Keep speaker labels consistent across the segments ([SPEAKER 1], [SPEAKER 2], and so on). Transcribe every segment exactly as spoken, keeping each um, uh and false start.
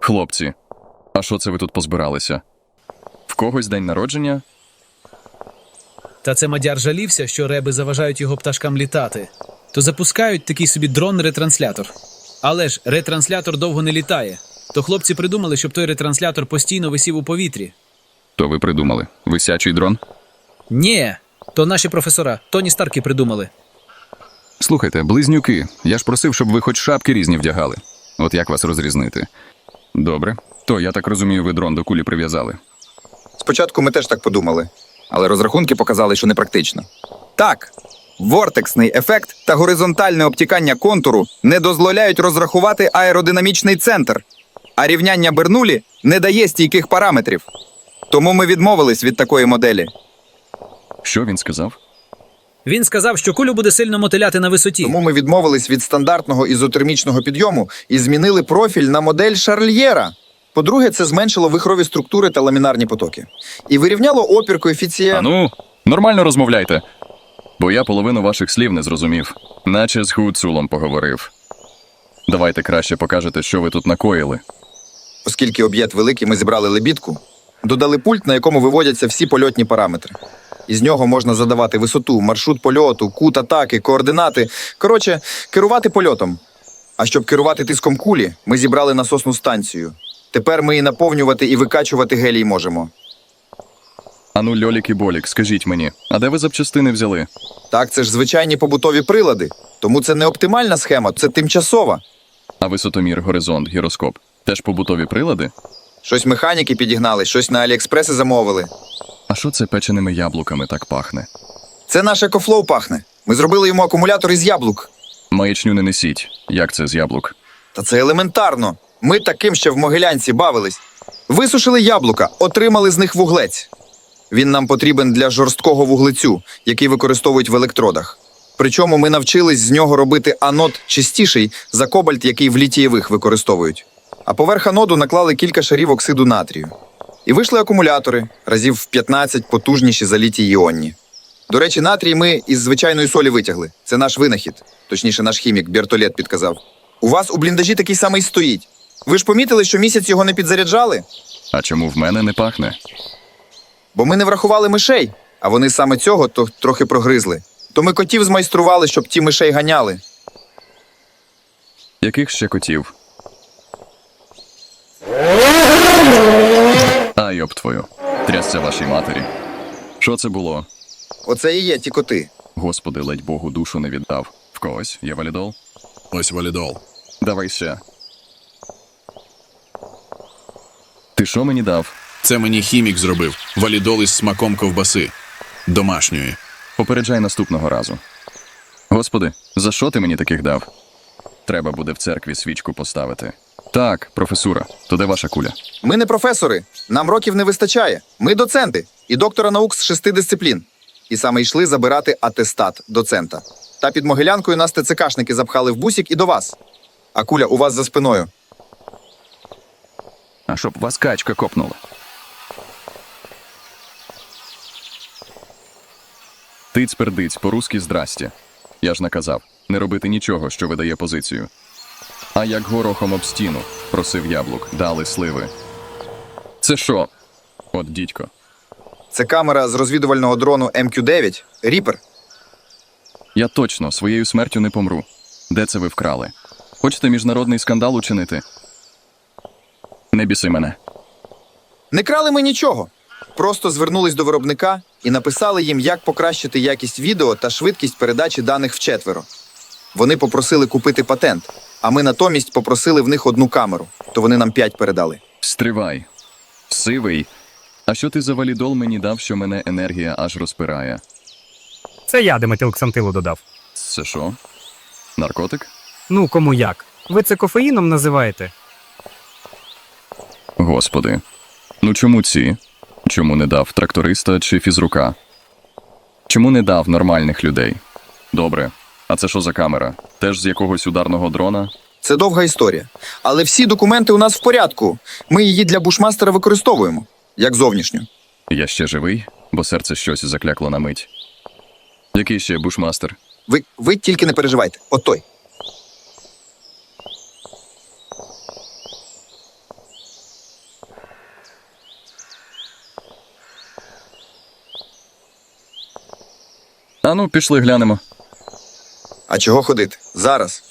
[SPEAKER 1] Хлопці, а що це ви тут позбиралися? В когось день народження?
[SPEAKER 2] Та це мадяр жалівся, що реби заважають його пташкам літати. То запускають такий собі дрон-ретранслятор. Але ж ретранслятор довго не літає. То хлопці придумали, щоб той ретранслятор постійно висів у повітрі.
[SPEAKER 1] То ви придумали. Висячий дрон?
[SPEAKER 2] Ні, то наші професора, Тоні Старки придумали.
[SPEAKER 1] Слухайте, близнюки, я ж просив, щоб ви хоч шапки різні вдягали. От як вас розрізнити? Добре. То, я так розумію, ви дрон до кулі прив'язали.
[SPEAKER 3] Спочатку ми теж так подумали, але розрахунки показали, що непрактично. Так, вортексний ефект та горизонтальне обтікання контуру не дозволяють розрахувати аеродинамічний центр, а рівняння Бернулі не дає стійких параметрів. Тому ми відмовились від такої моделі.
[SPEAKER 1] Що він сказав?
[SPEAKER 2] Він сказав, що кулю буде сильно мотиляти на висоті.
[SPEAKER 3] Тому ми відмовились від стандартного ізотермічного підйому і змінили профіль на модель Шарльєра. По-друге, це зменшило вихрові структури та ламінарні потоки. І вирівняло опір коефіцієнт.
[SPEAKER 1] А ну, нормально розмовляйте. Бо я половину ваших слів не зрозумів. Наче з Гуцулом поговорив. Давайте краще покажете, що ви тут накоїли.
[SPEAKER 3] Оскільки об'єкт великий, ми зібрали лебідку, додали пульт, на якому виводяться всі польотні параметри. Із нього можна задавати висоту, маршрут польоту, кут атаки, координати. Коротше, керувати польотом. А щоб керувати тиском кулі, ми зібрали насосну станцію. Тепер ми і наповнювати, і викачувати гелій можемо.
[SPEAKER 1] Ану, Льолік і Болік, скажіть мені, а де ви запчастини взяли?
[SPEAKER 3] Так, це ж звичайні побутові прилади. Тому це не оптимальна схема, це тимчасова.
[SPEAKER 1] А висотомір, горизонт, гіроскоп – теж побутові прилади?
[SPEAKER 3] Щось механіки підігнали, щось на Аліекспреси замовили.
[SPEAKER 1] А що це печеними яблуками так пахне?
[SPEAKER 3] Це наш екофлоу пахне. Ми зробили йому акумулятор із яблук.
[SPEAKER 1] Маячню не несіть. Як це з яблук?
[SPEAKER 3] Та це елементарно. Ми таким ще в Могилянці бавились. Висушили яблука, отримали з них вуглець. Він нам потрібен для жорсткого вуглецю, який використовують в електродах. Причому ми навчились з нього робити анод чистіший за кобальт, який в літієвих використовують. А поверх аноду наклали кілька шарів оксиду натрію. І вийшли акумулятори, разів в п'ятнадцять потужніші за літій-іонні. До речі, натрій ми із звичайної солі витягли. Це наш винахід. Точніше, наш хімік Бертолет підказав. У вас у бліндажі такий самий стоїть. Ви ж помітили, що місяць його не підзаряджали?
[SPEAKER 1] А чому в мене не пахне?
[SPEAKER 3] Бо ми не врахували мишей, а вони саме цього то трохи прогризли. То ми котів змайстрували, щоб ті мишей ганяли.
[SPEAKER 1] Яких ще котів? А, йоб твою. Трясся вашій матері. Що це було?
[SPEAKER 3] Оце і є ті коти.
[SPEAKER 1] Господи, ледь Богу душу не віддав. В когось є валідол?
[SPEAKER 4] Ось валідол.
[SPEAKER 1] Давай ще. Ти що мені дав?
[SPEAKER 4] Це мені хімік зробив. Валідол із смаком ковбаси. Домашньої.
[SPEAKER 1] Попереджай наступного разу. Господи, за що ти мені таких дав? Треба буде в церкві свічку поставити. Так, професура, то де ваша куля?
[SPEAKER 3] Ми не професори, нам років не вистачає. Ми доценти і доктора наук з шести дисциплін. І саме йшли забирати атестат доцента. Та під Могилянкою нас ТЦКшники запхали в бусік і до вас. А куля у вас за спиною.
[SPEAKER 1] А щоб вас качка копнула. Тиць-пердиць, по-русски здрасте. Я ж наказав, не робити нічого, що видає позицію. А як горохом об стіну, просив яблук, дали сливи. Це що? От дідько.
[SPEAKER 3] Це камера з розвідувального дрону Ем Кью дев'ять. Ріпер.
[SPEAKER 1] Я точно своєю смертю не помру. Де це ви вкрали? Хочете міжнародний скандал учинити? Не біси мене.
[SPEAKER 3] Не крали ми нічого. Просто звернулись до виробника і написали їм, як покращити якість відео та швидкість передачі даних вчетверо. Вони попросили купити патент, а ми натомість попросили в них одну камеру, то вони нам п'ять передали.
[SPEAKER 1] Стривай. Сивий. А що ти за валідол мені дав, що мене енергія аж розпирає?
[SPEAKER 5] Це я диметилксантилу додав.
[SPEAKER 1] Це що? Наркотик?
[SPEAKER 5] Ну, кому як. Ви це кофеїном називаєте?
[SPEAKER 1] Господи. Ну чому ці? Чому не дав тракториста чи фізрука? Чому не дав нормальних людей? Добре. А це що за камера? Теж з якогось ударного дрона?
[SPEAKER 3] Це довга історія. Але всі документи у нас в порядку. Ми її для бушмастера використовуємо, як зовнішню.
[SPEAKER 1] Я ще живий, бо серце щось заклякло на мить. Який ще бушмастер?
[SPEAKER 3] Ви, ви тільки не переживайте. От той.
[SPEAKER 1] Ану, пішли глянемо.
[SPEAKER 3] А чого ходити? Зараз.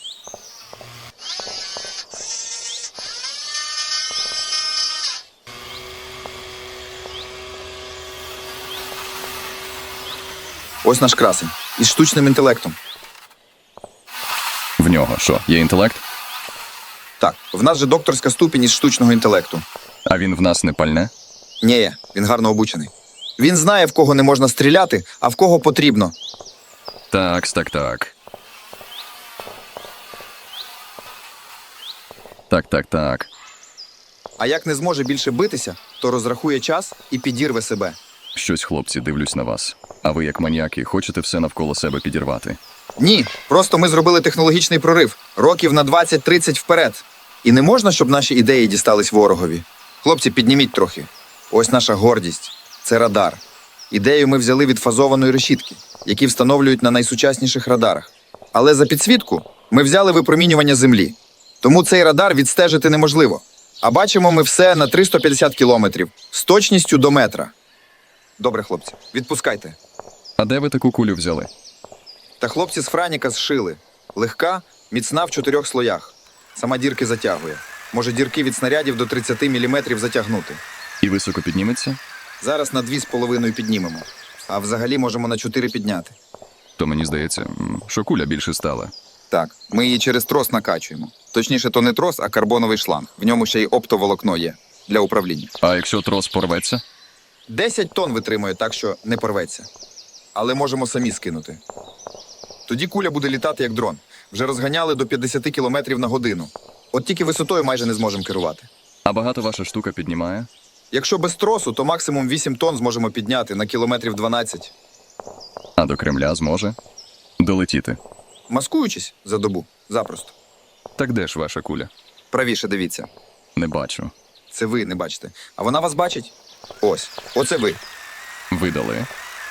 [SPEAKER 3] Ось наш красень. Із штучним інтелектом.
[SPEAKER 1] В нього що, є інтелект?
[SPEAKER 3] Так, в нас же докторська ступінь із штучного інтелекту.
[SPEAKER 1] А він в нас не пальне?
[SPEAKER 3] Ні, він гарно обучений. Він знає, в кого не можна стріляти, а в кого потрібно.
[SPEAKER 1] Так, так, так. Так, так, так.
[SPEAKER 3] А як не зможе більше битися, то розрахує час і підірве себе.
[SPEAKER 1] Щось, хлопці, дивлюсь на вас. А ви, як маніяки, хочете все навколо себе підірвати.
[SPEAKER 3] Ні, просто ми зробили технологічний прорив. Років на двадцять-тридцять вперед. І не можна, щоб наші ідеї дістались ворогові. Хлопці, підніміть трохи. Ось наша гордість. Це радар. Ідею ми взяли від фазованої решітки, які встановлюють на найсучасніших радарах. Але за підсвітку ми взяли випромінювання Землі. Тому цей радар відстежити неможливо. А бачимо ми все на триста п'ятдесят кілометрів з точністю до метра. Добре, хлопці, відпускайте.
[SPEAKER 1] А де ви таку кулю взяли?
[SPEAKER 3] Та хлопці з Франіка зшили. Легка, міцна в чотирьох слоях. Сама дірки затягує. Може дірки від снарядів до тридцять міліметрів затягнути.
[SPEAKER 1] І високо підніметься?
[SPEAKER 3] Зараз на дві з половиною піднімемо. А взагалі можемо на чотири підняти.
[SPEAKER 1] То мені здається, м, що куля більше стала.
[SPEAKER 3] Так, ми її через трос накачуємо. Точніше, то не трос, а карбоновий шланг. В ньому ще й оптоволокно є для управління.
[SPEAKER 1] А якщо трос порветься?
[SPEAKER 3] десять тонн витримує, так що не порветься. Але можемо самі скинути. Тоді куля буде літати як дрон. Вже розганяли до п'ятдесят кілометрів на годину. От тільки висотою майже не зможемо керувати.
[SPEAKER 1] А багато ваша штука піднімає?
[SPEAKER 3] Якщо без тросу, то максимум вісім тонн зможемо підняти на кілометрів дванадцять.
[SPEAKER 1] А до Кремля зможе? Долетіти.
[SPEAKER 3] Маскуючись за добу. Запросто.
[SPEAKER 1] Так де ж ваша куля?
[SPEAKER 3] Правіше дивіться.
[SPEAKER 1] Не бачу.
[SPEAKER 3] Це ви не бачите. А вона вас бачить? Ось. Оце ви.
[SPEAKER 1] Видали.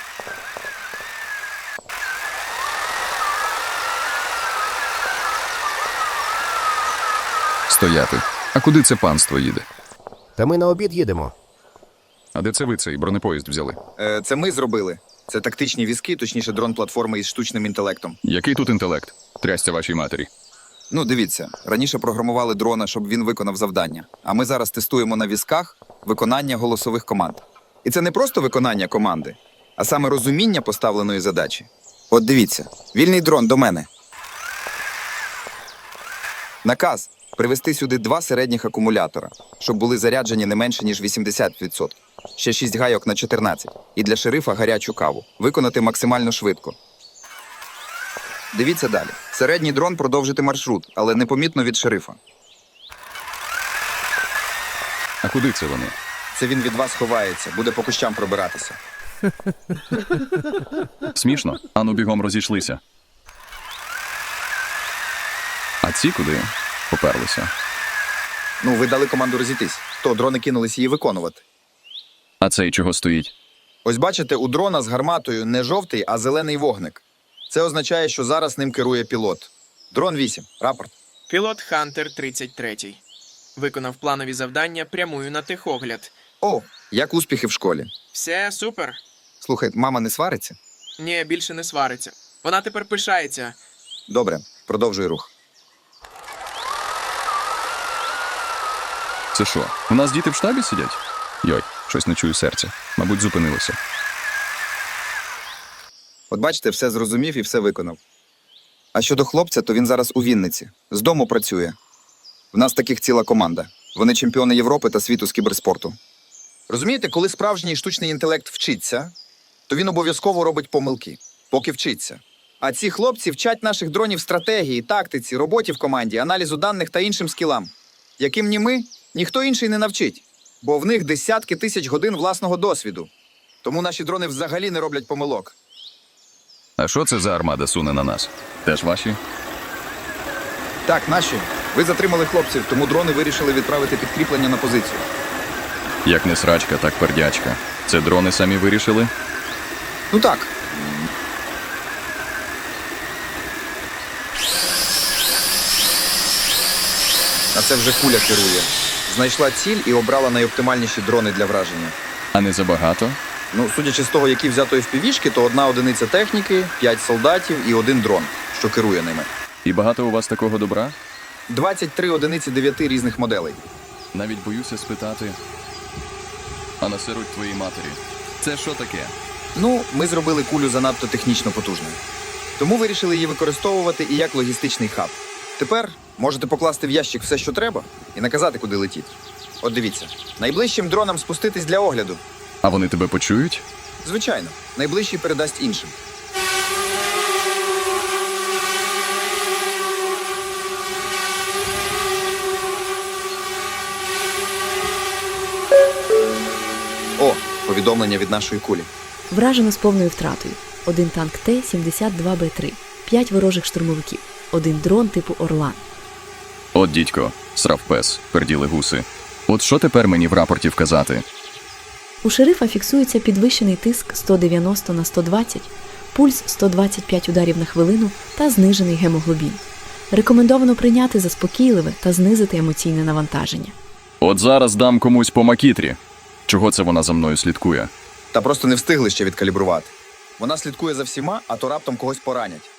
[SPEAKER 1] Стояти. А куди це панство їде?
[SPEAKER 6] Та ми на обід їдемо.
[SPEAKER 1] А де це ви цей бронепоїзд взяли?
[SPEAKER 3] Е, це ми зробили. Це тактичні візки, точніше дрон-платформа із штучним інтелектом.
[SPEAKER 1] Який тут інтелект? Трясся вашій матері.
[SPEAKER 3] Ну, дивіться, раніше програмували дрона, щоб він виконав завдання. А ми зараз тестуємо на візках виконання голосових команд. І це не просто виконання команди, а саме розуміння поставленої задачі. От дивіться, вільний дрон до мене. Наказ привезти сюди два середніх акумулятора, щоб були заряджені не менше, ніж вісімдесят відсотків. Ще шість гайок на чотирнадцять. І для шерифа гарячу каву. Виконати максимально швидко. Дивіться далі. Середній дрон продовжити маршрут, але непомітно від шерифа.
[SPEAKER 1] А куди це вони?
[SPEAKER 3] Це він від вас ховається, буде по кущам пробиратися.
[SPEAKER 1] Смішно? Ану бігом розійшлися. А ці куди? Поперлися.
[SPEAKER 3] Ну, ви дали команду розійтись. То дрони кинулись її виконувати.
[SPEAKER 1] А цей чого стоїть?
[SPEAKER 3] Ось бачите, у дрона з гарматою не жовтий, а зелений вогник. Це означає, що зараз ним керує пілот. Дрон вісім. Рапорт.
[SPEAKER 7] Пілот Хантер тридцять три. Виконав планові завдання, прямую на техогляд.
[SPEAKER 3] О, як успіхи в школі.
[SPEAKER 7] Все супер.
[SPEAKER 3] Слухай, мама не свариться?
[SPEAKER 7] Ні, більше не свариться. Вона тепер пишається.
[SPEAKER 3] Добре, продовжуй рух.
[SPEAKER 1] Це що? У нас діти в штабі сидять? Йой, щось не чую серця. Мабуть, зупинилося.
[SPEAKER 3] От бачите, все зрозумів і все виконав. А щодо хлопця, то він зараз у Вінниці. З дому працює. В нас таких ціла команда. Вони чемпіони Європи та світу з кіберспорту. Розумієте, коли справжній штучний інтелект вчиться, то він обов'язково робить помилки, поки вчиться. А ці хлопці вчать наших дронів стратегії, тактиці, роботі в команді, аналізу даних та іншим скілам, яким ні ми, ніхто інший не навчить, бо в них десятки тисяч годин власного досвіду. Тому наші дрони взагалі не роблять помилок.
[SPEAKER 1] А що це за армада суне на нас? Теж ваші?
[SPEAKER 3] Так, наші. Ви затримали хлопців, тому дрони вирішили відправити підкріплення на позицію.
[SPEAKER 1] Як не срачка, так пердячка. Це дрони самі вирішили?
[SPEAKER 3] Ну так. А це вже куля керує. Знайшла ціль і обрала найоптимальніші дрони для враження.
[SPEAKER 1] А не забагато?
[SPEAKER 3] Ну, судячи з того, які взято еф пі ві-шки, то одна одиниця техніки, п'ять солдатів і один дрон, що керує ними.
[SPEAKER 1] І багато у вас такого добра?
[SPEAKER 3] двадцять три одиниці дев'яти різних моделей.
[SPEAKER 1] Навіть боюся спитати. А насеруть твоїй матері. Це що таке?
[SPEAKER 3] Ну, ми зробили кулю занадто технічно потужною. Тому вирішили її використовувати і як логістичний хаб. Тепер можете покласти в ящик все, що треба, і наказати, куди летіть. От дивіться, найближчим дронам спуститись для огляду.
[SPEAKER 1] А вони тебе почують?
[SPEAKER 3] Звичайно, найближчий передасть іншим. О, повідомлення від нашої кулі.
[SPEAKER 8] Вражено з повною втратою. Один танк Т сімдесят два Б три, п'ять ворожих штурмовиків, один дрон типу Орлан.
[SPEAKER 1] От дідько, срав пес, перділи гуси. От що тепер мені в рапорті вказати?
[SPEAKER 8] У шерифа фіксується підвищений тиск сто дев'яносто на сто двадцять, пульс сто двадцять п'ять ударів на хвилину та знижений гемоглобін. Рекомендовано прийняти заспокійливе та знизити емоційне навантаження.
[SPEAKER 1] От зараз дам комусь по макітрі. Чого це вона за мною слідкує?
[SPEAKER 3] Та просто не встигли ще відкалібрувати. Вона слідкує за всіма, а то раптом когось поранять.